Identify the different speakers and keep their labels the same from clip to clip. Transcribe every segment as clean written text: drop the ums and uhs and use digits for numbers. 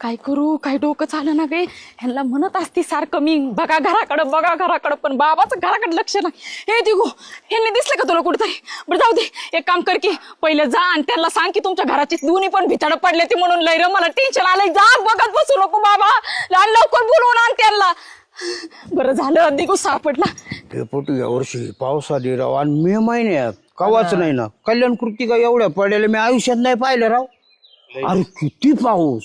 Speaker 1: काय करू, काय डोकं चालं ना गे. ह्यांना म्हणत असते सारखं मी बघा घराकडं, पण बाबाचं घराकडे लक्ष नाही. हे दिगो, ह्यांनी दिसलं का तुला कुठेतरी? बरं जाऊ दे, एक काम कर की पहिले जा आणि त्यांना सांग की तुमच्या घराची दोन्ही पण भिताडं पडले ते म्हणून लय र मला टेन्शन आलंय. जा बघत बसू नको बाबा, लवकर बोलवून आण त्यांना. बरं झालं दिगो सापडला.
Speaker 2: डेपुटी यावर्षी पावसाळी राव आणि मे महिन्यात कवाच नाही ना. कल्याण कृतिका एवढ्या पडलेल्या मी आयुष्यात नाही पाहिलं राव. अरे किती पाऊस.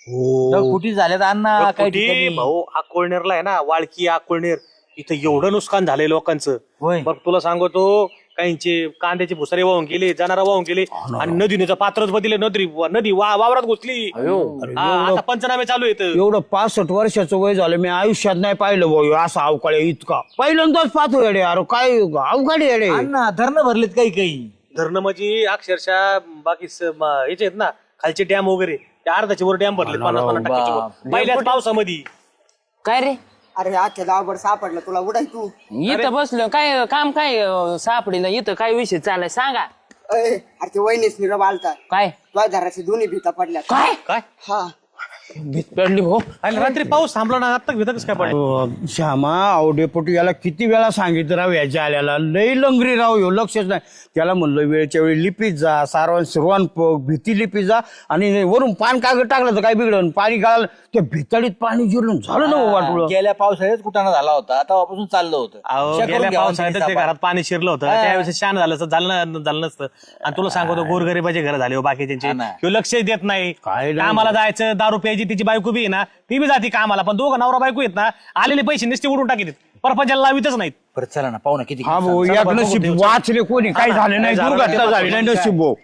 Speaker 3: कुठे झाल्यात अण्णा काही
Speaker 4: भाऊ अकोळनेरला आहे ना, वाळकी अकोळनेर, इथं एवढं नुकसान झालंय लोकांचं. बघ तुला सांगतो, काहींचे कांद्याचे भुसारे वाहून गेले, जनारा वाहून गेले आणि नदीचं पात्रच बदलले. नदी वावरात घुसली. आता पंचनामे चालू आहेत.
Speaker 2: एवढं 65 वर्षाचं वय झालं मी आयुष्यात नाही पाहिलं भाऊ असा अवकाळी इतका. पहिल्यांदाच पाहतो येडे. अरे काय अवकाळी येडे.
Speaker 3: अण्णा धरणं भरलेत काही
Speaker 4: धरणं म्हणजे अक्षरशः बाकी याचे आहेत ना खालचे डॅम वगैरे, त्या अर्धाचे वर डॅम भरले 50-50% पहिल्याच पावसामध्ये.
Speaker 5: काय रे
Speaker 6: अरे आजच्या गावभर सापडलं तुला उडाय तू.
Speaker 5: इथं बसलो काय काम काय सापडीला इथं काय विषय चालाय सांगा.
Speaker 6: अरे ते वहिनीच निरब आलता.
Speaker 5: काय
Speaker 6: तुझ्या घराची दोन्ही भीता पडल्या.
Speaker 5: काय
Speaker 4: काय
Speaker 6: हा
Speaker 5: भीत पडली भाऊ.
Speaker 4: आणि रात्री पाऊस थांबला ना, आता भीत कसं काय पडलं?
Speaker 2: श्यामा अहो डेपुटी याला किती वेळा सांगितलं राव याच्या आल्याला. लई लंगरी राव ह्यो लक्षच नाही. त्याला म्हणलं वेळच्या वेळी लिपीत जा, सारवण भीती लिपीत जा आणि वरून पान कागद टाकलं तर काय बिघडलं. पाणी गाळलं त्या भिताडीत पाणी जिरलं झालं ना वाटलं.
Speaker 3: गेल्या पावसाळ्यात कुठाना झाला होता, तेव्हापासून चाललं होतं.
Speaker 4: अहो, गेल्या पावसाळ्यात ते घरात पाणी शिरलं होतं, त्यावेळेस शान झालं असतं, झालं नसतं. आणि तुला सांगतो गोरगरीबाचे घर झाले बाकी त्यांचे लक्ष देत नाही. कामाला जायचं, दारू प्यायची, तिची बायको बी आहे ना ती बी जाते कामाला, पण दोघं नवरा बायको येत ना आलेले पैसे नुसते उडून टाकीत, परपंचाला लावितच नाहीत.
Speaker 3: बरं चला ना पाहू ना किती.
Speaker 2: हा भाऊ एक नशीब वाचले कोणी काय झालं नाही, दुर्घटना झाली नाही नशीब भाऊ.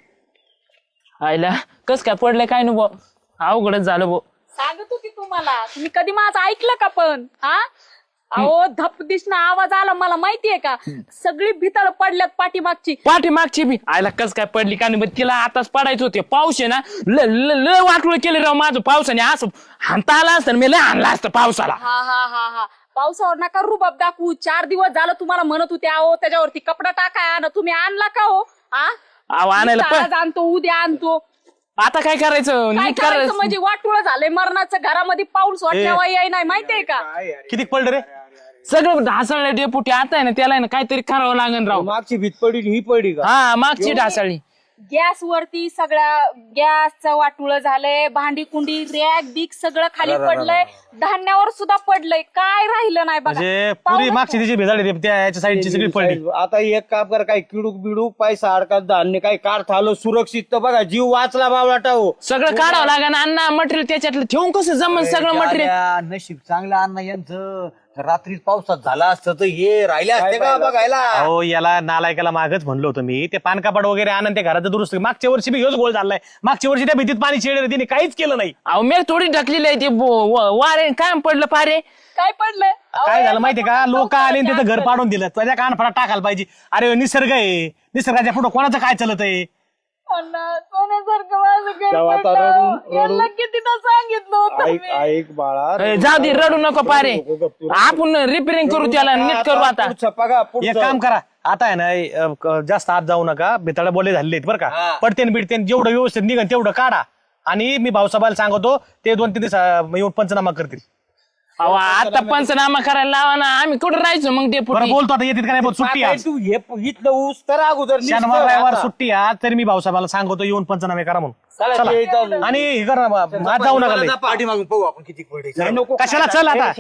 Speaker 5: आयला कस काय पडलंय काय नु भाऊ, अवघडच झालं भाऊ.
Speaker 1: सांगत होती तुम्हाला, तुम्ही कधी माझं ऐकलं का? पण हा अहो धप दिसणं आवाज आला, मला माहितीये का सगळी भितळ पडल्यात
Speaker 5: पाठीमागची बी आयला कस काय पडली का नाही. तिला आताच पडायचं होते. पाऊस आहे ना ल वाटलं केलं राव माझं पावसाने. असं हाणता आला असतं मी लय आणला असतं पावसाला.
Speaker 1: हा पावसावर नका रुबाब दाखवू. 4 दिवस झालं तुम्हाला म्हणत होते अहो त्याच्यावरती कपडा टाकाय ना, तुम्ही आणला का हो?
Speaker 5: अहो आणायला
Speaker 1: आज आणतो, उद्या आणतो.
Speaker 5: आता काय करायचं?
Speaker 1: काय
Speaker 5: नीट
Speaker 1: करायचं म्हणजे वाटुळ झालंय मरणाचं. घरामध्ये पाऊस वाटण्यावा याय नाही माहितीये का?
Speaker 4: किती पडलं रे?
Speaker 5: सगळं ढासळलं डेपुटी. आता आहे ना त्याला आहे ना काहीतरी करावं लागेल राव.
Speaker 2: मागची भीत पडली ही पडली का?
Speaker 5: हा मागची ढासळली.
Speaker 1: गॅस वरती सगळ्या गॅसचं वाटुळ झालंय, भांडी कुंडी रॅक बिक सगळं खाली पडलंय, धान्यावर सुद्धा पडलंय, काय राहिलं नाही बघा.
Speaker 4: म्हणजे पुरी मागची तिची भेजाळी त्या याच्या साईडची सगळी पडली.
Speaker 2: आता एक काम कर, काय किडूक बिडूक पैसा अडकात धान्य काही काढता आलं सुरक्षित तर बघा जीव वाचला बावळाटा हो.
Speaker 5: सगळं काढावं लागेल. अण्णा मटेरियल त्याच्यातलं ठेवून कसं जमन सगळं मटेरियल.
Speaker 3: नशीब चांगलं अण्णा यांचं. रात्री पावसात झाला असतं तर हे राहिले असते का बघायला.
Speaker 4: अहो याला नालायकाला मागच म्हणलं होतं मी, ते पानकापड वगैरे आणून ते घराचं दुरुस्त. मागच्या वर्षी बी ह्योच गोळ झालाय. मागच्या वर्षी त्या भीतीत पाणी शिरलं, तिने काहीच केलं नाही.
Speaker 5: अहो मी थोडी ढकलेली आहे ते वारे काय पडलं पारे.
Speaker 1: काय पडलंय?
Speaker 4: काय झालं माहितीये का, लोक आले आणि तिथं घर पाडून दिलं. त्याच्या कानफडा टाकायला पाहिजे. अरे निसर्ग आहे, निसर्गाच्या पुढे कोणाचं काय चालत आहे?
Speaker 1: सोन्यासारखं माझं घर
Speaker 2: तेव्हा आता
Speaker 1: पडलं. यांना कितीदा सांगितलं होतं मी.
Speaker 2: ऐक बाळा,
Speaker 5: जाऊ दे रडू नको पारे. आपण रिपेअरिंग करू त्याला, नीट करू आता.
Speaker 4: एक काम करा, आता आहे ना जास्त आत जाऊ नका. बेताळा बोले झालेले आहेत बरं का. पडतेन बिडतेन जेवढं व्यवस्थित निघन तेवढं काढा. आणि मी भाऊसाहेबाला सांगतो ते 2-3 दिवस येऊन पंचनामा करतील.
Speaker 5: अहो आता पंचनामा करायला लावा ना, आम्ही कुठं राहायचो मग ते
Speaker 4: बरं बोलतो आता येतील का नाही बोल. सुट्टी आज,
Speaker 2: तू हे इथलं ऊस तर अगोदर
Speaker 4: शनिवार रविवार सुट्टी आज, तरी मी भाऊसाहेबाला सांगतो येऊन पंचनामे करा म्हणून. चला. आणि हे करा ना, आज जाऊ नका लय.
Speaker 3: पाठी मागून पाहू आपण किती पडले.
Speaker 4: कशाला चल आता.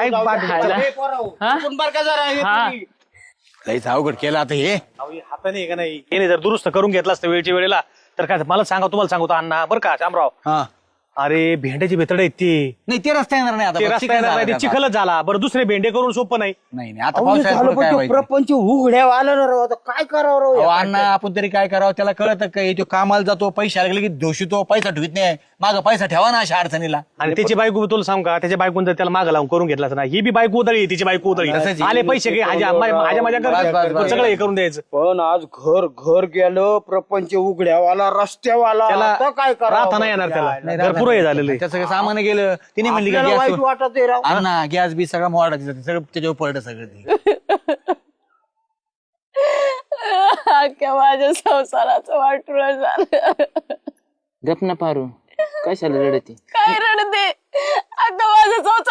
Speaker 3: लईच अवघड केलं आता हे.
Speaker 4: हाताने का नाही, हे जर दुरुस्त करून घेतला असतं वेळच्या वेळेला तर काय मला सांगा, तुम्हाला सांगतो अण्णा बरं का शामराव.
Speaker 3: हा
Speaker 4: अरे भेंड्याची भेतड आहेत ती.
Speaker 3: नाही ते रस्ता येणार नाही
Speaker 4: ते
Speaker 3: आता.
Speaker 4: रस्ता येणार नाही, ते चिखलच झाला. बरं दुसरे भेंडे करून सोपं नाही.
Speaker 3: नाही नाही आता पावसाळ्यात काय व्हायचं?
Speaker 2: प्रपंच उघड्यावर आलं ना राव. आता काय करावं राव?
Speaker 3: अहो, अण्णा आपण तरी काय करावं त्याला कळत काय? तो कामाला जातो, पैसे आले की दोषी पैसा ठेवत नाही. माग पैसा ठेवा ना अशा अडचणीला.
Speaker 4: आणि त्याची बायको तुला सांग का, त्याच्या बायकून जर त्याला मागं लावून करून घेतलाच ना, ही बी बायको उदळी, तिची बायको उदळी.
Speaker 3: तसंच आहे.
Speaker 4: आले पैसे घे, माझ्या
Speaker 3: बस.
Speaker 4: सगळं हे करून द्यायचं.
Speaker 2: पण आज घर गेलं, प्रपंच उघड्यावाला रस्त्यावाला.
Speaker 4: त्याला
Speaker 2: आता काय
Speaker 4: राहता नाही येणार त्याला. भरपूर हे झालेलं आहे.
Speaker 3: त्याचं काही सामान गेलं तिने म्हणली का
Speaker 2: आपल्याला वाईट
Speaker 3: गॅस
Speaker 2: वाटत आहे राव.
Speaker 3: अण्णा गॅस बी सगळं मोडा सगळं त्याच्यावर पडलं सगळं ते.
Speaker 1: अख्ख्या माझ्या संसाराचं वाटुळ झालं.
Speaker 5: गप ना पारू, कशाला रडते?
Speaker 1: काय रडते?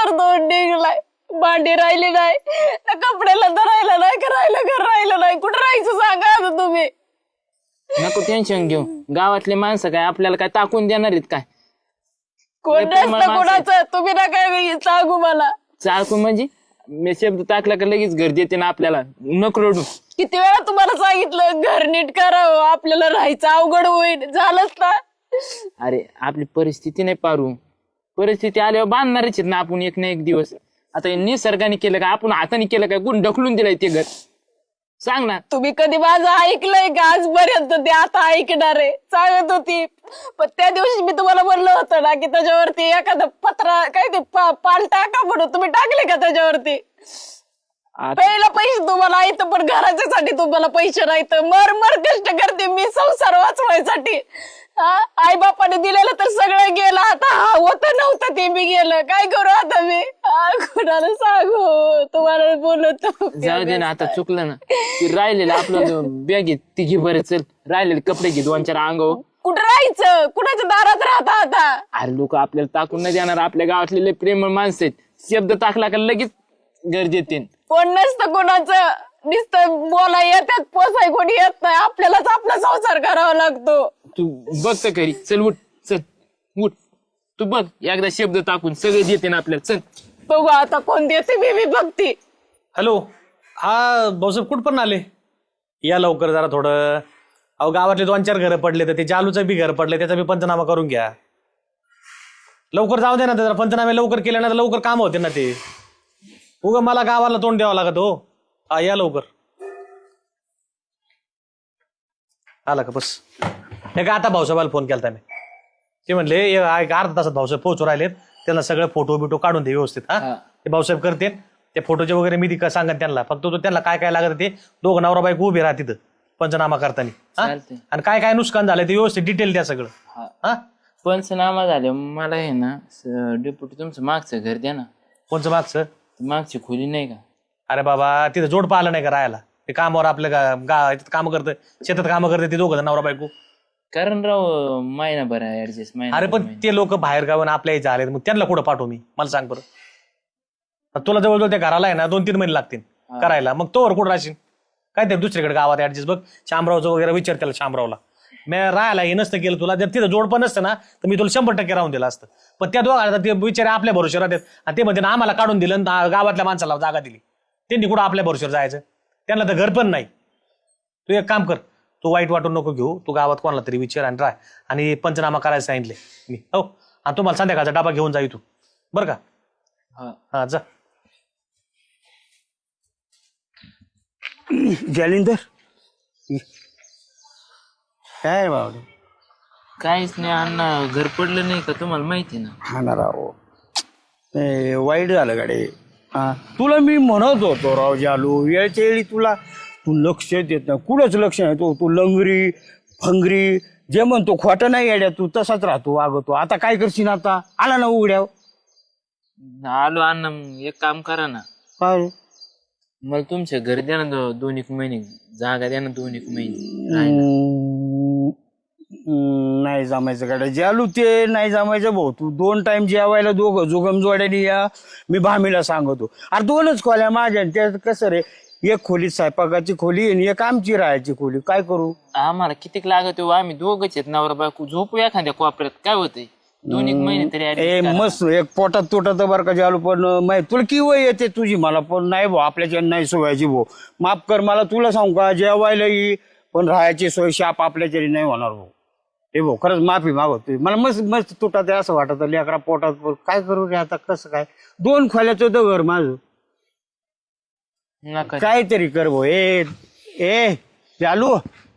Speaker 1: संसार दोन निघलाय, भांडी राहिली नाही, ना कपड्याला धरायला नाही, करायला घर राहिलं नाही, कुठं राहायचं सांगा आता तुम्ही.
Speaker 5: नको टेन्शन घेऊ, गावातले माणसं काय आपल्याला काय टाकून देणार आहेत काय?
Speaker 1: कोण नसतं कोणाचं, तुम्ही ना काय सांगू मला.
Speaker 5: चाकू म्हणजे मी शब्द टाकला का लगेच घर देते ना आपल्याला, नको रडू.
Speaker 1: किती वेळा तुम्हाला सांगितलं घर नीट करावं, आपल्याला राहायचं अवघड होईल, झालंच ना.
Speaker 5: अरे आपली परिस्थिती नाही पारू, परिस्थिती आल्यावर बांधणारच आहेत ना आपण एक ना एक दिवस. आता हे निसर्गाने केलं का, आपण हाताने केलं का, कोण ढकलून दिलंय ते घर? सांग ना.
Speaker 1: तुम्ही कधी माझं ऐकलंय का आजपर्यंत? ते आता ऐकणार आहे सांगत होती, पण त्या दिवशी मी तुम्हाला म्हणलं होतं ना की त्याच्यावरती एखादा पत्रा काय ते पाल टाका म्हणून, तुम्ही टाकले का त्याच्यावरती? पहिला पैसे तुम्हाला येतं, पण घराच्यासाठी तुम्हाला पैसे नाहीत. मर कष्ट करते मी संसार वाचवायसाठी. आई बापाने दिलेलं तर सगळं गेलं, आता होतं नव्हतं ते बी गेलं, काय करू आता मी? कुणाला सांगू? तुम्हाला बोलतो.
Speaker 5: जाऊ दे ना, आता चुकलं ना. ती राहिलेलं आपलं बॅग आहे ती घे बरं, चल. राहिलेले कपडे घे 2-4 अंगावर.
Speaker 1: कुठं राहायचं? कुणाच्या दारात राहता आता?
Speaker 5: अरे लोक आपल्याला टाकून नाही देणार, आपल्या गावातले लय प्रेमळ माणसं आहेत. शब्द टाकला का लगेच घर देते.
Speaker 1: कोण नसतं कोणाचं, नुसतं बोला येतात, पोसाय कोणी येत नाही, आपल्यालाच आपला संसार करावा लागतो.
Speaker 5: तू बघ तर खरी, चल उठ, चल उठ. तू बघ एकदा शब्द टाकून सगळे देते ना आपल्याला, चल.
Speaker 1: बघू आता कोण देते, मी बघते.
Speaker 4: हॅलो, हा भाऊसाहेब कुठपर्यंत आले? या लवकर जरा थोडं. अहो गावातले 2-4 घरं पडले, तर ते जालूचं बी घर पडले, त्याचा बी पंचनामा करून घ्या. लवकर जाऊ दे ना, जरा पंचनामे लवकर केले ना तर लवकर काम होते ना ते. उगा मला गावाला तोंड द्यावं लागत हो. हा या लवकर. आला का? बस हे का आता भाऊसाहेबाला फोन केला मी. ते म्हणले एक अर्धा तासात भाऊसाहेब पोहोचू राहिलेत, त्यांना सगळे फोटो बिटो काढून दे व्यवस्थित. हा ते भाऊसाहेब करते ते फोटोचे वगैरे मी ती सांगत त्यांना. फक्त तो त्यांना काय काय लागत ते दोघं नवरा बायको उभे राहा तिथं पंचनामा करताना. आणि काय काय नुकसान झालं ते व्यवस्थित डिटेल द्या सगळं. हा
Speaker 5: पंचनामा झाले मला आहे ना डेप्युटी, तुमचं मागचं घर द्या ना.
Speaker 4: कोणचं मागचं?
Speaker 5: मागची खोली नाही का?
Speaker 4: अरे बाबा तिथं जोड पाहिलं नाही का राहायला? ते कामावर आपल्या काम करतं, शेतात कामं करते ते दोघं नवरा बायको.
Speaker 5: कारण राव महिनाभर ऍडजस्ट महिना.
Speaker 4: अरे पण ते लोक बाहेर गावून आपल्या इथे आले, मग त्यांना कुठं पाठवू मी? मला सांग बरं. तुला जवळजवळ त्या घराला आहे ना 2-3 महिने लागतील करायला, मग तोवर कुठं राहशील? काय ते दुसरीकडे गावात ऍडजस्ट बघ. शामरावचं वगैरे विचार त्याला, शामरावला मी राहायला हे नसतं केलं तुला. जर तिथं जोड पण नसतं ना तर मी तुला 100% राहून दिलं असतं. पण त्या दोघांना ते बिचारे आपल्या भरोश्यावर राहतात, आणि ते म्हणते ना आम्हाला काढून दिलं, गावातल्या माणसाला जागा दिली, त्यांनी कुठं आपल्या भरोश्यावर जायचं? त्यांना तर घर पण नाही. तू एक काम कर, तू वाईट वाटून नको घेऊ, तू गावात कोणाला तरी विचार आणि राह, आणि पंचनामा करायला सांगितले मी. हो, आणि तुम्हाला संध्याकाळचा डबा घेऊन जाई तू, बरं का? हा जा.
Speaker 2: जालिंदर काय बाबा?
Speaker 5: काहीच नाही अण्णा, घर पडलं नाही का तुम्हाला माहिती ना?
Speaker 2: हा ना राव, ते वाईट झालं गाडे. हा तुला मी म्हणत होतो राव जालू, वेळच्या वेळी तू लक्ष देत नाही, कुठंच लक्ष नाही. तू लंगरी फंगरी जे म्हणतो खोटं नाही येड्या, तू तसाच राहतो वागतो. आता काय करशील? आता आला ना उघड्याव.
Speaker 5: आलो अण्णा, एक काम करा ना,
Speaker 2: काय
Speaker 5: मला तुमच्या घर द्या ना 2-1 महिने, जागा द्या ना 2-1 महिने.
Speaker 2: नाही जमायचं गाड्या जालू, ते नाही जमायचं भाऊ. तू 2 टाइम जेवायला दोघं जुगम जोड्याने या, मी भामीला सांगतो. अरे 2च खोल्या माझ्या, त्यात कसं रे, एक खोली स्वयंपाकाची खोली आणि एक आमची राहायची खोली. काय करू?
Speaker 5: आम्हाला कितीक लागत हो, आम्ही दोघंच आहेत नवरा बायको, झोपू एखाद्या कोपऱ्यात, काय होतंय? 2-1 महिने तरी
Speaker 2: ए मस्त एक पोटात तुटत बरं का जालू. पण तुला की वय येते तुझी, मला पण नाही भाऊ, आपल्याच्या नाही सोयाची भाऊ. माफ कर मला, तुला सांगू का, जेवायला ये पण राहायची सोय शाप आपल्याच्यारी नाही होणार भाऊ. हे भाऊ खरंच माफी मागवतोय, मला मस्त मस्त तुटत असं वाटत लेकरा पोटात. काय करू रे आता, कसं काय? 2 खोल्याचं होतं घर माझं. काहीतरी कर भाऊ. ए चालू,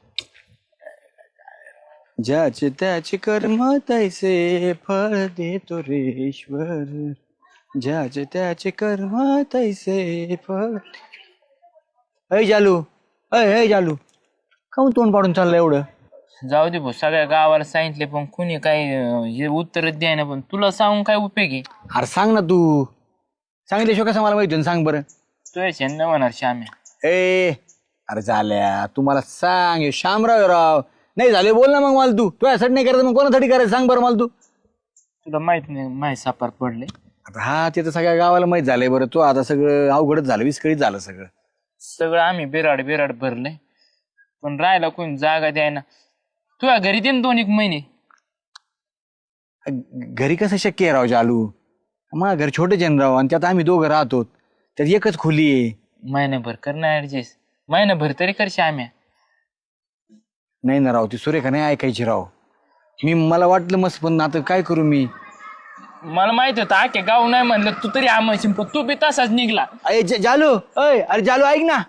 Speaker 3: ज्याचे त्याचे कर्म तैसे फळ देतो रे ईश्वर, ज्याचे त्याचे कर्म तैसे फळ. अय जालू, अय जालू, काहून तोंड पाडून चाललं एवढं?
Speaker 5: जाऊ दे भाऊ, सगळ्या गावाला सांगितले पण कुणी काही हे उत्तर द्याय ना. पण तुला सांगून काय उपयोगी?
Speaker 3: अरे सांग ना, तू सांगितल्याशिवाय कसं मला माहिती? सांग बरं.
Speaker 5: तुझ्या छंद म्हणणार श्याम्या.
Speaker 3: ए अरे झाल्या, तू मला सांग. शामराव राव नाही झाले, बोल ना मग मला. तू तुझ्यासाठी नाही करायचं मग कोणासाठी करायचं सांग बरं मला. तू
Speaker 5: तुला माहित नाही माहिती सापार पडले.
Speaker 3: आता हा ते तर सगळ्या गावाला माहित झालंय. बरं तो आता सगळं अवघडच झालं, विस्कळीत झालं सगळं.
Speaker 5: सगळं आम्ही बिराड भरलंय, पण राहायला कोणी जागा द्यायना. तुझ्या घरी दे ना 2-1 महिने.
Speaker 3: घरी कसं शक्य आहे राव जालू? मग घर छोटे जन राव, आणि त्यात आम्ही दोघं राहतो, त्यात एकच खोली आहे.
Speaker 5: महिनाभर कर ना ऍडजस्ट, महिनाभर तरी करशी आम्ही.
Speaker 3: नाही ना राव, ती सुरेखा नाही ऐकायची राव. मला वाटलं मस्त, पण आता काय करू मी?
Speaker 5: मला माहित होतं आखे गाव नाही म्हणलं, तू तरी आम्हाला पण तू बी तसाच निघला.
Speaker 3: जालू, अरे जालू ऐक ना.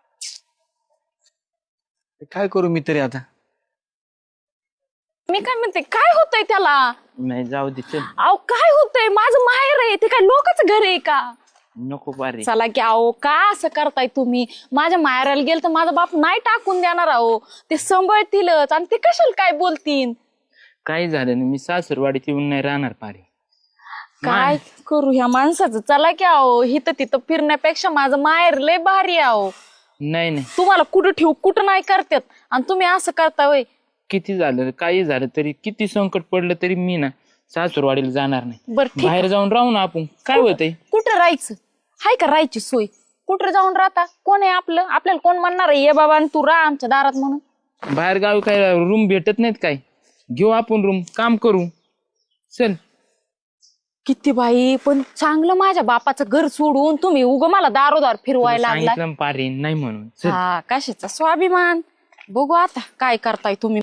Speaker 3: काय करू मी तरी आता?
Speaker 1: मी काय म्हणते, काय होतंय त्याला?
Speaker 5: नाही जाऊ दे, चल.
Speaker 1: अहो काय होतंय, माझं माहेर आहे ते, काय लोकांचं घर आहे का?
Speaker 5: नको पारे.
Speaker 1: चला की अहो, का असं करताय तुम्ही? माझ्या माहेराला गेलं तर माझा बाप नाही टाकून देणार अहो, ते सांभाळतीलच, आणि ते कशाला काय बोलतील?
Speaker 5: काही झालं नाही, मी सासरवाडीत येऊन नाही राहणार पारे.
Speaker 1: काय करू ह्या माणसाचं? चला की अहो, हिथं तिथं फिरण्यापेक्षा माझं माहेर लय भारी आहे अहो.
Speaker 5: नाही नाही,
Speaker 1: तुम्हाला कुठं ठेवू कुठं नाही करतात, आणि तुम्ही असं करता वय.
Speaker 5: किती झालं काही झालं तरी, किती संकट पडलं तरी मी ना सासरवाडीला जाणार नाही.
Speaker 1: बरं ठीक,
Speaker 5: बाहेर जाऊन राहू ना आपण, काय होतंय?
Speaker 1: कुठं राहायचं? हाय का राहायची सोय? कुठं जाऊन राहता? कोण आहे आपलं? आपल्याला कोण म्हणणार आहे ये बाबा आणि तू राहा आमच्या दारात म्हणून?
Speaker 5: बाहेर गावी काय रूम भेटत नाहीत काय? घेऊ आपण रूम, काम करू, चल.
Speaker 1: किती बाई, पण चांगलं माझ्या बापाचं घर सोडून तुम्ही उग मला दारोदार फिरवायला लागला.
Speaker 5: सांगितलं पारे नाही म्हणून, चल.
Speaker 1: हा, कशाचा स्वाभिमान? बघू आता काय करताय तुम्ही.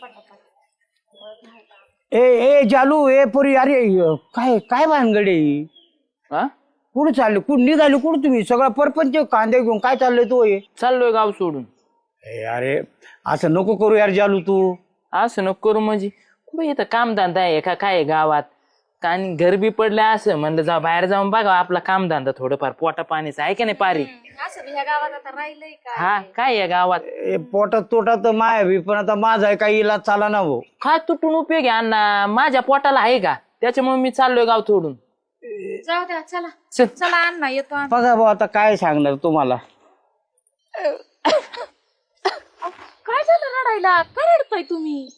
Speaker 2: ए जालू, ए पोरी, अरे काय काय भानगडे?
Speaker 5: हा?
Speaker 2: कुठं चालले? कुठं निघाले? कुठं तुम्ही? सगळा परपंच कांदे घेऊन काय चाललंय तो?
Speaker 5: चाललोय गाव सोडून.
Speaker 2: अरे असं नको करू यार जालू तू.
Speaker 5: असं नको करू म्हणजे, कुठे इथं कामधंदा आहे का काय गावात? आणि घर बी पडलं असं म्हणलं, जा बाहेर जाऊन बघा आपला कामधंदा, थोडंफार पोटा पाणीच आहे का नाही पारी? हा, काय आहे गावात?
Speaker 2: पोटात तोटात तर माया बी, पण आता माझा आहे काही इलाज चाला ना भाऊ.
Speaker 5: काय तुटून उपयोग आहे अण्णा? माझ्या पोटाला आहे का? त्याच्यामुळे मी चाललोय गाव सोडून.
Speaker 1: जाऊ द्या, चला
Speaker 5: चल.
Speaker 1: चला अण्णा, येतो आम्ही.
Speaker 2: बघा भाऊ, आता काय सांगणार तुम्हाला.
Speaker 1: काय झालं रडायला? काय रडताय तुम्ही?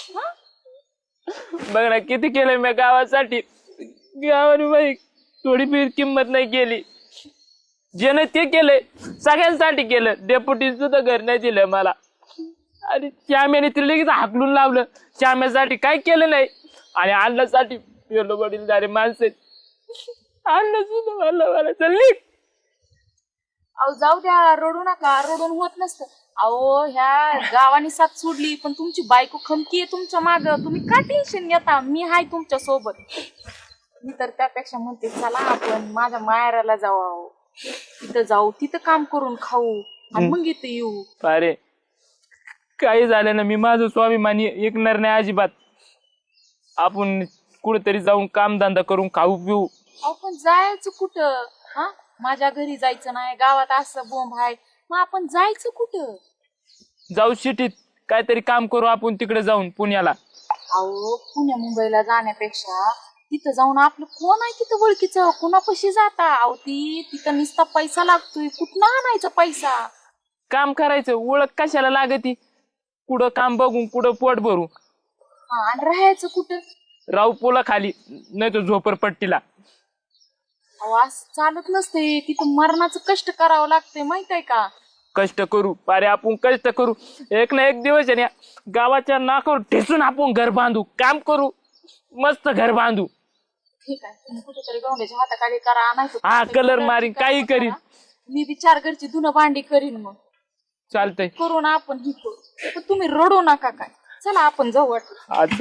Speaker 5: बघ ना किती केलंय मी गावासाठी. गावाने बाई थोडी बी किंमत नाही केली. ज्याने ते केलंय सगळ्यांसाठी केलं. डेप्युटी सुद्धा घर नाही दिलं मला, आणि श्याम्याने तिला लगेच हाकलून लावलं. श्याम्यासाठी काय केलं नाही, आणि अन्नासाठी गेलो वडीलधारे माणसं. अन्न सुद्धा मला चालली.
Speaker 1: अहो जाऊ द्या, रडू नका, रडून होत नसतं. अहो ह्या गावाने साथ सोडली, पण तुमची बायको खमकी आहे तुमच्या माग. तुम्ही का टेन्शन घेता? मी हाय तुमच्या सोबत. मी तर त्यापेक्षा म्हणते, चला आपण माझ्या माहेराला जाऊ, तिथं जाऊ, तिथं काम करून खाऊ, आणि मग इथं येऊ.
Speaker 5: अरे काही झालं ना, मी माझं स्वाभिमानी ऐकणार नाही अजिबात. आपण कुठेतरी जाऊन कामधंदा करून खाऊ पिऊ.
Speaker 1: अहो पण जायचं कुठं? हा, माझ्या घरी जायचं नाही, गावात असं बोंब आहे, मग आपण जायचं कुठं?
Speaker 5: जाऊ सिटीत काहीतरी काम करू आपण, तिकडे जाऊन पुण्याला.
Speaker 1: अहो पुण्या मुंबईला जाण्यापेक्षा तिथं जाऊन आपलं कोण आहे तिथं ओळखीचं, कोणापाशी जाता? अहो तिथं नुसता पैसा लागतोय, कुठं आणायचा पैसा?
Speaker 5: काम करायचं, ओळख कशाला लागती? कुठं काम बघून कुठं पोट भरू.
Speaker 1: हा, आणि राहायचं कुठं?
Speaker 5: राहू पोला खाली, नाही तर झोपडपट्टीला.
Speaker 1: अहो असं चालत नसते, तिथं मरणाचं कष्ट करावं लागतंय, माहित आहे का?
Speaker 5: कष्ट करू अरे, आपण कष्ट करू. एक ना एक दिवस आहे ना, गावाच्या नाकावर ठेचून आपण घर बांधू. काम करू, मस्त घर बांधू.
Speaker 1: ठीक आहे, तुम्ही कुठेतरी गवंड्याच्या हाताखाली करा, नाही
Speaker 5: हा, कलर मारीन, काही करीन.
Speaker 1: मी बी 4 घरची धुणं भांडी करीन, मग
Speaker 5: चालतंय.
Speaker 1: करू ना आपण ही करू. पण तुम्ही रडू नका काय. चला आपण जाऊ वाटलं.
Speaker 5: आज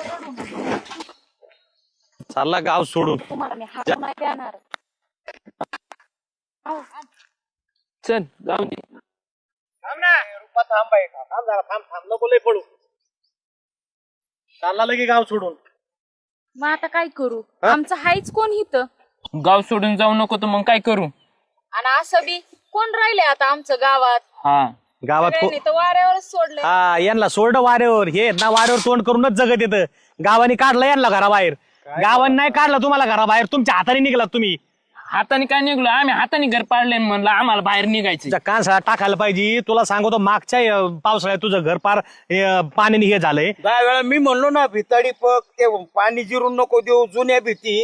Speaker 4: चालला गाव सोडून.
Speaker 1: तुम्हाला मी हात नाही देणार.
Speaker 5: चल जाऊ दे.
Speaker 4: नको लय पडू. चालला लगे गाव सोडून.
Speaker 1: मग आता काय करू? आमचं हायच कोण इथं?
Speaker 5: गाव सोडून जाऊ नको तर मग काय करू?
Speaker 1: आणि असं बी कोण राहिले आता आमचं गावात?
Speaker 5: हा,
Speaker 4: गावात
Speaker 1: सगळ्यांनी तर वाऱ्यावरच सोडलंय.
Speaker 4: हा, यांना सोडलं वाऱ्यावर. हे ना वाऱ्यावर तोंड करूनच जगत येतं. गावाने काढलं यांना घराबाहेर. गावाने नाही काढलं तुम्हाला घराबाहेर, तुमच्या हाताने निघलात तुम्ही.
Speaker 5: हाताने काय निघलो आम्ही? हाताने घर पाडले म्हणलं आम्हाला बाहेर निघायचं.
Speaker 4: तुझ्या कानसाळा टाकायला पाहिजे. तुला सांगतो, मागच्या पावसाळ्यात तुझं घर पार पाण्याने हे झालंय.
Speaker 2: 10 वेळा मी म्हणलो ना, भिताडी पक ते पाणी जिरून नको देऊ, जुन्या भीती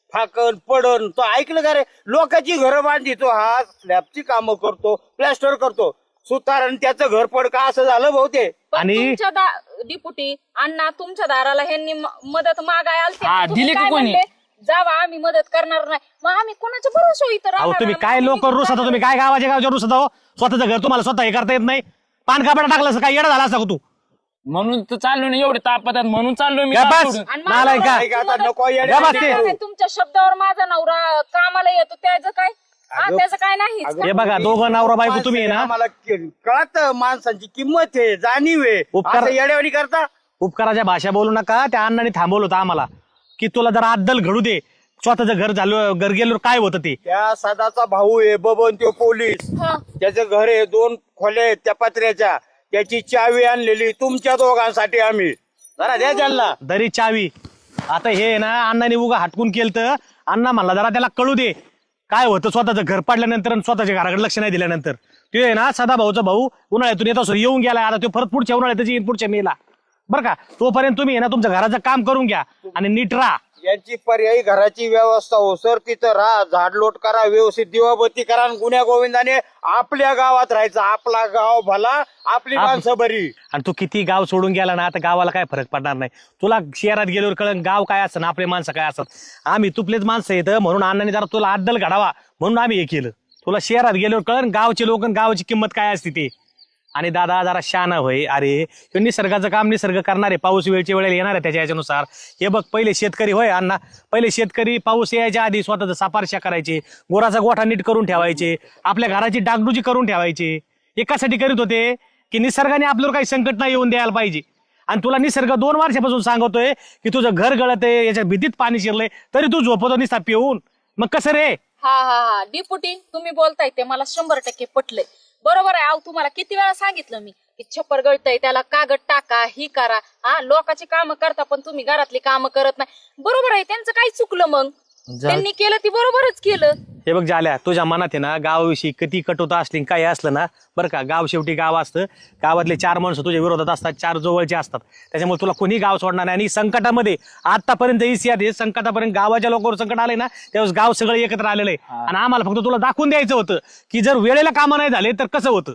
Speaker 2: फाकन पडन तो ऐकलं का रे? लोकांची घरं बांधितो हा, स्लॅबची कामं करतो, प्लॅस्टर करतो, सुतार आणि त्याचं घर पड का असं झालं भाऊ ते.
Speaker 1: पण
Speaker 4: आणि-
Speaker 1: तुमच्या डिपुटी अण्णा तुमच्या दाराला ह्यांनी मदत मागाय आलते
Speaker 5: हा,
Speaker 1: तुम्ही
Speaker 5: दिली का
Speaker 1: काय
Speaker 5: कोणी?
Speaker 1: म्हणले? जावा आम्ही मदत करणार नाही. मग आम्ही कोणाच्या भरोसा इथं
Speaker 4: अहो
Speaker 1: राहणार
Speaker 4: तुम्ही
Speaker 1: नाही.
Speaker 4: काय
Speaker 1: मग
Speaker 4: लोक
Speaker 1: आम्ही
Speaker 4: रुसता तुम्ही काय गावाच्या रुसता हो? स्वतःचं घर तुम्हाला स्वतः हे करता येत नाही. पान कापड टाकलं असं काय येडा झाला असता का तू?
Speaker 5: म्हणून तर चाललो ना एवढे तापतात म्हणून चाललोय मी
Speaker 4: काय
Speaker 5: गाव
Speaker 4: बस?
Speaker 5: सोडून.
Speaker 1: आणि
Speaker 4: नालायक का?
Speaker 2: ऐक आता, नको येडे
Speaker 4: या बस
Speaker 2: वाटे
Speaker 4: ते.
Speaker 2: करू.
Speaker 1: तुमच्या शब्दावर माझा नवरा कामाला येतो त्याचं काय? हा, त्याचं काय नाही.
Speaker 4: हे बघा दोघं नवरा बायको तुम्ही आहे ना,
Speaker 2: आम्हाला कळत माणसांची किंमत आहे, जाणीव आहे.
Speaker 4: उपकार-
Speaker 2: असं येड्यावानी करता.
Speaker 4: उपकाराच्या भाषा बोलू नका. त्या अण्णाने थांबवलं होतं आम्हाला की तुला जरा अद्दल घडू दे. स्वतःचं घर झालं, घर गेलो काय होतं ते.
Speaker 2: त्या सदाचा भाऊ आहे बबन, तो पोलीस. त्याचं घर आहे, 2 खोल्या आहेत त्या पत्र्याच्या. त्याची चावी आणलेली तुमच्या दोघांसाठी आम्ही. जरा द्या त्यांना.
Speaker 4: दरी चावी. आता हे आहे ना अण्णाने उगा हटकून केलं तर अण्णा म्हणला जरा त्याला कळू दे काय होतं स्वतःचं घर पडल्यानंतर आणि स्वतःच्या घराकडे लक्ष नाही दिल्यानंतर. तो आहे ना सदा भाऊचा भाऊ उन्हाळ्यातून येतो येऊन गेला. आता तो परत पुढच्या उन्हाळ्यात येईन पुढच्या मेला. बरं का, तोपर्यंत तुम्ही आहे ना तुमच्या घराचं काम करून घ्या आणि नीट राहा.
Speaker 2: यांची पर्यायी घराची व्यवस्था हो सर, तिथं राहा, झाडलोट करा, व्यवस्थित दिवाबत्ती करा आणि गुन्ह्या गोविंदाने आपल्या गावात राहायचं. आपला गाव भला, आपली माणसं बरी.
Speaker 4: आणि तू किती गाव सोडून गेला ना आता गावाला काय फरक पडणार नाही. तुला शहरात गेल्यावर कळण गाव काय असतं ना आपले माणसं काय असतात. आम्ही तुपलेच माणसं येतं म्हणून अण्णाने जरा तुला अद्दल घडावा म्हणून आम्ही हे केलं. तुला शहरात गेल्यावर कळण गावचे लोक गावाची किंमत काय असते ते. आणि दादा जरा शहाणा होय. अरे ह्यो निसर्गाचं काम निसर्ग करणार आहे. पाऊस वेळच्या वेळेला येणार आहे त्याच्या याच्यानुसार. हे बघ पहिले शेतकरी होय अण्णा, पहिले शेतकरी पाऊस यायच्या आधी स्वतःचं सापारशा करायचे, गोराचा गोठा नीट करून ठेवायचे, आपल्या घराची डागडुजी करून ठेवायचे. हे कशासाठी करीत होते की निसर्गाने आपल्यावर काही संकट नाही येऊन द्यायला पाहिजे. आणि तुला निसर्ग 2 वर्षापासून सांगतोय की तुझं घर गळत आहे, याच्या भीतीत पाणी शिरलंय, तरी तू झोपतो निस्ता पिऊन. मग कसं रे?
Speaker 1: हा हा हा डिपुटी तुम्ही बोलताय ते मला 100% पटलंय. बरोबर आहे. अहो तुम्हाला किती वेळा सांगितलं मी की छप्पर गळतय त्याला कागद टाका, ही करा. हा लोकांची कामं करता पण तुम्ही घरातली कामं करत नाही. बरोबर आहे, त्यांचं काय चुकलं मग? त्यांनी केलं ती बरोबरच केलं.
Speaker 4: हे बघ झाल्या तुझ्या मनात आहे ना गावाविषयी किती कटुता असली काय असलं ना, बरं का, गाव शेवटी गाव असतं. गावातले 4 माणसं तुझ्या विरोधात असतात, 4 जवळचे असतात. त्याच्यामुळे तुला कोणी गाव सोडणार नाही. आणि संकटामध्ये आतापर्यंत इतिहास संकटापर्यंत गावाच्या लोकांवर संकट आले ना त्यावेळेस गाव सगळं एकत्र आलेलं आहे. आणि आम्हाला फक्त तुला दाखवून द्यायचं होतं की जर वेळेला कामं नाही झाले तर कसं होतं.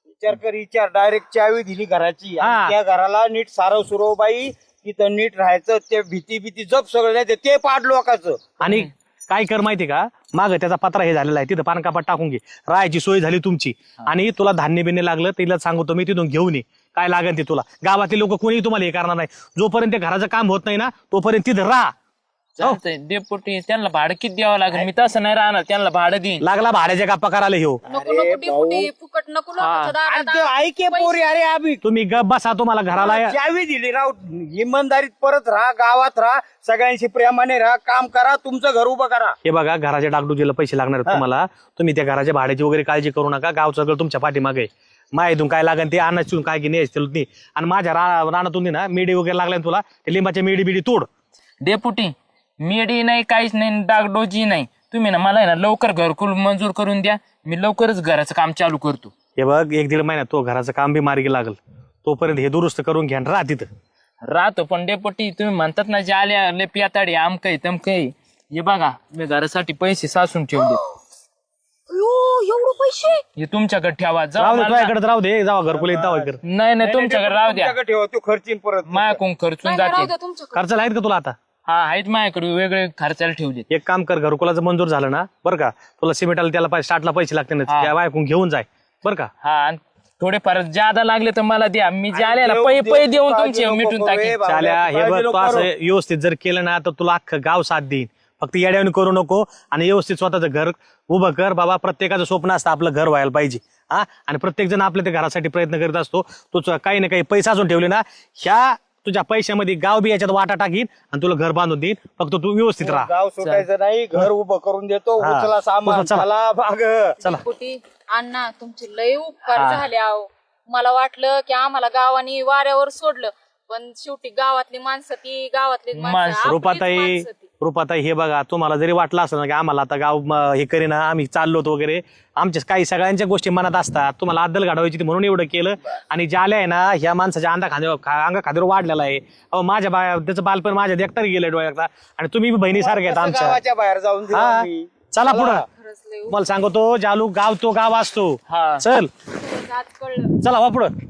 Speaker 2: विचार डायरेक्ट चावी दिली घराची. आणि
Speaker 4: हा.
Speaker 2: त्या घराला नीट सारव सुरव बाई, तिथं नीट राहायचं. ते भीती जप सगळं नाही ते पाड लोकांचं.
Speaker 4: आणि काय कर माहिती का, माग त्याचा पत्रा हे झालेला आहे, तिथं पानकापात टाकून घे. राहायची सोय झाली तुमची. आणि तुला धान्य बिन्य लागलं तिला सांगतो मी, तिथून घेऊन ये काय लागेल ते तुला. गावातले लोक कोणी तुम्हाला हे करणार नाही. जोपर्यंत ते घराचं काम होत नाही ना तोपर्यंत तिथं राहा.
Speaker 5: चालतंय डेपुटी, त्यांना भाडं किती द्यावं लागेल? मी तसं नाही राहणार, त्यांना भाडं देईन.
Speaker 4: लागला भाड्याच्या गप्पा करायला ह्यो.
Speaker 1: नको नको डिपुटी फुकट नको लोकांच्या
Speaker 2: आणि
Speaker 1: दारात.
Speaker 2: ते ऐके पोरी, अरे आम्ही
Speaker 4: तुम्ही गप बसा, तुम्हाला घराला
Speaker 2: चावी दिली राव. इमानदारीत परत राहा, गावात राहा, सगळ्यांशी प्रेमाने राहा, काम करा, तुमचं घर उभं करा.
Speaker 4: हे बघा घराच्या डागडुजीला पैसे लागणार आहेत तुम्हाला. तुम्ही त्या घराच्या भाड्याची वगैरे काळजी करू नका. गाव सगळं तुमच्या पाठीमागे आहे. माहितून काय लागेल ते आणायचं काय की नाही. आणि माझ्या रानातून ना मेडी वगैरे लागल्या ना तुला, ते लिंबाच्या मेडी बिडी तोड.
Speaker 5: डेपुटी मेडी नाही, काहीच नाही, डागडोजी नाही. तुम्ही ना मला आहे ना लवकर घरकुल मंजूर करून द्या. मी लवकरच घराचं काम चालू करतो.
Speaker 4: हे बघ 1-1.5 महिन्यात तो घराचं काम बी मार्गी लागल. तोपर्यंत हे दुरुस्त करून घ्या आणि राहा तिथं.
Speaker 5: राहतो पण डेपुटी तुम्ही म्हणतात ना जे आल्या लय पियाताडी आमकय तमकय. हे बघा मी घरासाठी पैसे साचून ठेवले.
Speaker 1: एवढं पैसे?
Speaker 5: हे तुमच्याकडे ठेवा.
Speaker 4: राहू
Speaker 5: जाऊ
Speaker 4: दे
Speaker 5: मला-
Speaker 4: तुझ्याकडे राहू दे. जावा घरकुल येत जावा कर.
Speaker 5: नाही तुमच्याकडे राहू द्या.
Speaker 2: तुमच्याकडे ठेवा, तू खर्चीन परत.
Speaker 5: माझ्याकडून खर्चून
Speaker 1: राहू
Speaker 5: जाते.
Speaker 1: द्या तुमच्याकडे.
Speaker 4: खर्च आहेत का तुला आता?
Speaker 5: हा आहेत माझ्याकडे वेगळे खर्चाला ठेवले.
Speaker 4: एक काम कर, घरकुलाचं मंजूर झालं ना बरं का, तुला सिमेंटाला त्याला स्टार्टला पैसे लागते ना,
Speaker 5: हा.
Speaker 4: त्या बायकून घेऊन जाय बरं का.
Speaker 5: हा आणि थोडेफार ज्यादा लागले तर मला द्या. मी जे आलेला
Speaker 2: देव-
Speaker 5: पै
Speaker 2: देव-
Speaker 5: देऊन
Speaker 2: काळजी
Speaker 5: तुमचे
Speaker 2: नको
Speaker 5: मिटून
Speaker 2: करू
Speaker 5: टाकेन.
Speaker 2: रे बाबा.
Speaker 4: चाल्या हे
Speaker 2: काळजी
Speaker 4: बघ
Speaker 2: नको
Speaker 4: तू असं
Speaker 2: करू.
Speaker 4: व्यवस्थित जर केलं ना तर तुला अख्खं गाव साथ देईन. फक्त येड्यावणी करू नको आणि व्यवस्थित स्वतःचं घर उभं कर बाबा. प्रत्येकाचं स्वप्न असतं आपलं घर व्हायला पाहिजे. हा, आणि प्रत्येक जण आपल्या त्या घरासाठी प्रयत्न करीत असतो. तू काही ना काही पैसा अजून ठेवले ना, ह्या तुझ्या पैशामध्ये गाव बी याच्यात वाटा टाकीन आणि तुला घर बांधून देईन. फक्त तू व्यवस्थित राहा.
Speaker 2: गाव सुटायचं नाही, घर उभं करून देतो.
Speaker 4: हा.
Speaker 2: उचला सामान,
Speaker 4: चला.
Speaker 2: चला भाग.
Speaker 1: डिपुटी अण्णा तुमचे लय उपकार झाले. आहो मला वाटलं की आम्हाला गावाने वाऱ्यावर सोडलं, पण शेवटी गावातली माणसं ती गावातली
Speaker 5: माणसं.
Speaker 1: आपलीच
Speaker 4: रुपाताई
Speaker 1: माणसं ती.
Speaker 4: रुपाताई हे बघा, तुम्हाला जरी वाटलं असलं ना की आम्हाला आता गाव हे करीना, आम्ही चाललोत वगैरे, आमच्या काही सगळ्यांच्या गोष्टी मनात असतात. तुम्हाला अद्दल घडवायची ती म्हणून एवढं केलं. आणि ज्याला आहे ना ह्या माणसाच्या अंगा खांद्यावर वाढलेला आहे. अहो माझ्या त्याचं बालपण माझ्या देखतार गेलं डोळ्यात. आणि तुम्ही बी बहिणीसारखे आहेत आमच्या.
Speaker 2: गावाच्या बाहेर जाऊन दिलं
Speaker 4: हा
Speaker 2: आम्ही.
Speaker 4: चला पुढं. मला सांगतो जालू गाव तो गाव असतो. चल चला वा पुढं.